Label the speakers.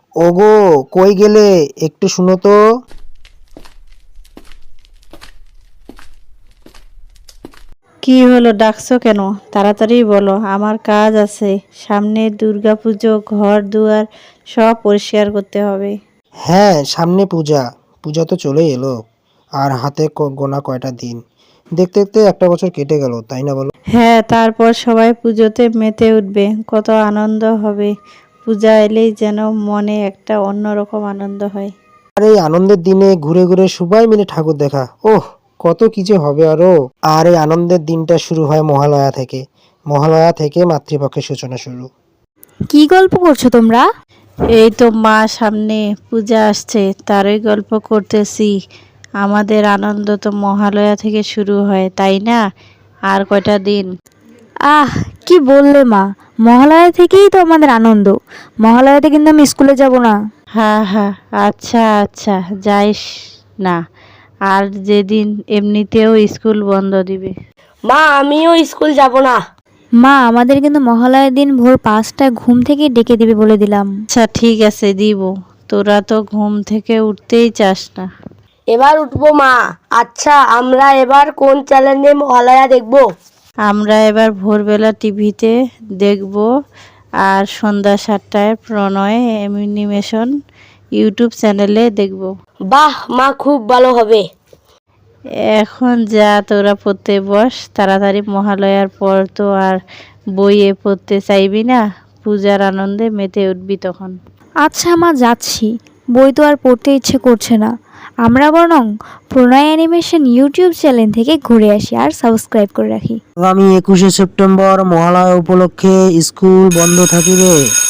Speaker 1: ওগো, কই গেলে? একটু শুনো তো।
Speaker 2: কি হলো, ডাকছো কেন? তাড়াতাড়ি বলো, আমার কাজ আছে। সামনে দুর্গাপুজো, ঘর দুয়ার সব পরিষ্কার করতে হবে।
Speaker 1: হ্যাঁ, সামনে পূজা। পূজা তো চলেই এলো। আর হাতে গোনা কয়টা দিন। দেখতে দেখতে একটা বছর কেটে গেল, তাই না বলো?
Speaker 2: হ্যাঁ, তারপর সবাই পুজোতে মেতে উঠবে, কত আনন্দ হবে। পূজা এলেই যেন মনে একটা অন্যরকম আনন্দ হয়।
Speaker 1: আর এই আনন্দের দিনে ঘুরে ঘুরে সবাই মিলে ঠাকুর দেখা, ওহ, কত কি যে হবে আরো। আর এই আনন্দের দিনটা শুরু হয় মহালয়া থেকে। মহালয়া থেকে মাতৃপক্ষের সূচনা শুরু।
Speaker 3: কি গল্প করছো তোমরা?
Speaker 2: এই তো মা, সামনে পূজা আসছে, তারই গল্প করতেছি। আমাদের আনন্দ তো মহালয়া থেকে শুরু হয়, তাই না? আর কয়টা দিন।
Speaker 3: আহ, কি বললে মা? মহালয়া থেকেই তো আমাদের আনন্দ। মহালয়াতে কিন্তু আমি স্কুলে যাব না।
Speaker 2: হ্যাঁ হ্যাঁ, আচ্ছা আচ্ছা, যাইস না। আর যেদিন এমনিতেও স্কুল বন্ধ দিবে।
Speaker 4: মা, আমিও স্কুল যাব না।
Speaker 3: মা, আমাদের কিন্তু মহালয়ার দিন ভোর 5টায় ঘুম থেকে ডেকে দিবে বলে দিলাম।
Speaker 2: আচ্ছা ঠিক আছে, দিব। তোরা তো ঘুম থেকে উঠতেই চাস না।
Speaker 4: এবার উঠবো মা। আচ্ছা, আমরা এবার কোন চ্যানেলে মহালয়া দেখবো?
Speaker 2: আমরা এবার ভোরবেলা টিভিতে দেখব, আর সন্ধ্যা 7টায় প্রণয় অ্যানিমেশন ইউটিউব চ্যানেলে দেখব।
Speaker 4: বাহ মা, খুব ভালো হবে।
Speaker 2: এখন যা, তোরা পড়তে বস তাড়াতাড়ি। মহালয়ার পর তো আর বইয়ে পড়তে চাইবি না, পূজার আনন্দে মেতে উঠবি তখন।
Speaker 3: আচ্ছা মা, যাচ্ছি। বই তো আর পড়তে ইচ্ছে করছে না। আমরা বরং প্রণয় অ্যানিমেশন ইউটিউব চ্যানেল থেকে ঘুরে আসি আর সাবস্ক্রাইব করে রাখি।
Speaker 1: আগামী 21শে সেপ্টেম্বর মহালয়া উপলক্ষে স্কুল বন্ধ থাকিবে।